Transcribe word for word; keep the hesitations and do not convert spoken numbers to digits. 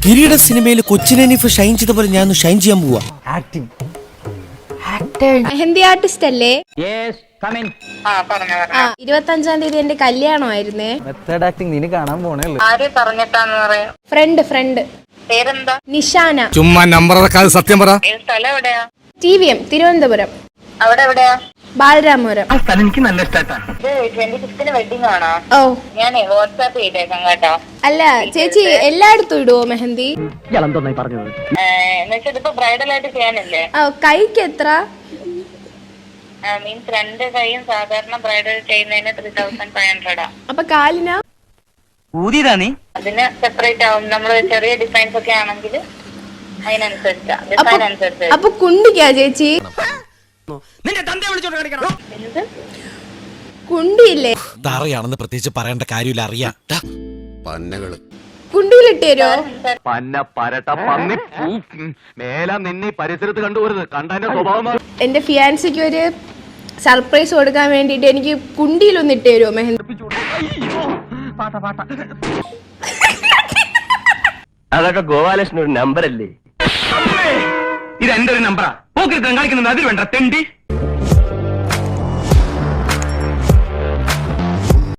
കിരീട സിനിമയിൽ കൊച്ചിനീഫ് ഷൈൻ ചെയ്ത പോലെ ഞാൻ ഷൈൻ ചെയ്യാൻ പോവാ. ആക്ടിംഗ് മെഹന്തി ആർട്ടിസ്റ്റ് അല്ലേ? ഇരുപത്തി അഞ്ചാം തീയതി എന്റെ കല്യാണമായിരുന്നേ. മെത്തേഡ് ആക്ടിംഗ് നീ കാണാൻ പോണേ. ഫ്രണ്ട് ഫ്രണ്ട് പേരെന്താ? നിഷാന. ചുമ്മാ നമ്പർ സത്യം പറ. സ്ഥലം എവിടെയാ? T V M Thiruvananthapuram. അവിടെ എവിടെയാ? ബാലരാമപുരം. എനിക്ക് നല്ല ഇഷ്ടാണ്. ഇത് ട്വന്റി ഫിഫ്തിന് വെഡിങ് ആണോ? ഓ ഞാനേ വാട്സാപ്പ് ചെയ്തേക്കാം കേട്ടോ. അല്ല ചേച്ചി എല്ലായിടത്തും ഇടുവോ മെഹന്തി? പറഞ്ഞത് എന്നുവെച്ചാൽ ഇതിപ്പോ ബ്രൈഡൽ ആയിട്ട് ചെയ്യാനല്ലേ? ഓ കൈക്ക് എത്ര? മീൻസ് രണ്ട് കൈയും സാധാരണ ബ്രൈഡൽ ചെയ്യുന്നതിന് ത്രീ തൗസൻഡ് ഫൈവ് ഹൺഡ്രഡാ. അപ്പൊ കാലിനാ? ഊതിയതാ നീ? അതിന് സെപ്പറേറ്റ് ആവും. നമ്മള് ചെറിയ ഡിസൈൻസ് ഒക്കെ ആണെങ്കിൽ അതിനനുസരിച്ചാ ഡിസൈൻ അനുസരിച്ച്. അപ്പൊ കുണ്ടിക്കാ ചേച്ചി? എന്ത് കുണ്ടിയില്ലേ? തറയാണെന്ന് പ്രത്യേകിച്ച് പറയേണ്ട കാര്യമില്ല, അറിയാം. കുണ്ടിയിലിട്ട് തരുമോ? പന്ന പരട്ട പന്നി മേല നിന്നെ പരിസരത്ത് കണ്ടുപോരുത്. കണ്ടതിന്റെ സ്വഭാവം. എന്റെ ഫിയാൻസിക്ക് ഒരു സർപ്രൈസ് കൊടുക്കാൻ വേണ്ടിട്ട് എനിക്ക് കുണ്ടിയിലൊന്ന് ഇട്ട് തരുമോ മെഹന്തി? അതൊക്കെ ഗോപാലകൃഷ്ണൻ ഒരു നമ്പർ അല്ലേ? ഇത് എന്റെ ഒരു നമ്പറാ. പോക്കിരുത്തം കാണിക്കുന്നത് അതിൽ വേണ്ട തെണ്ടി.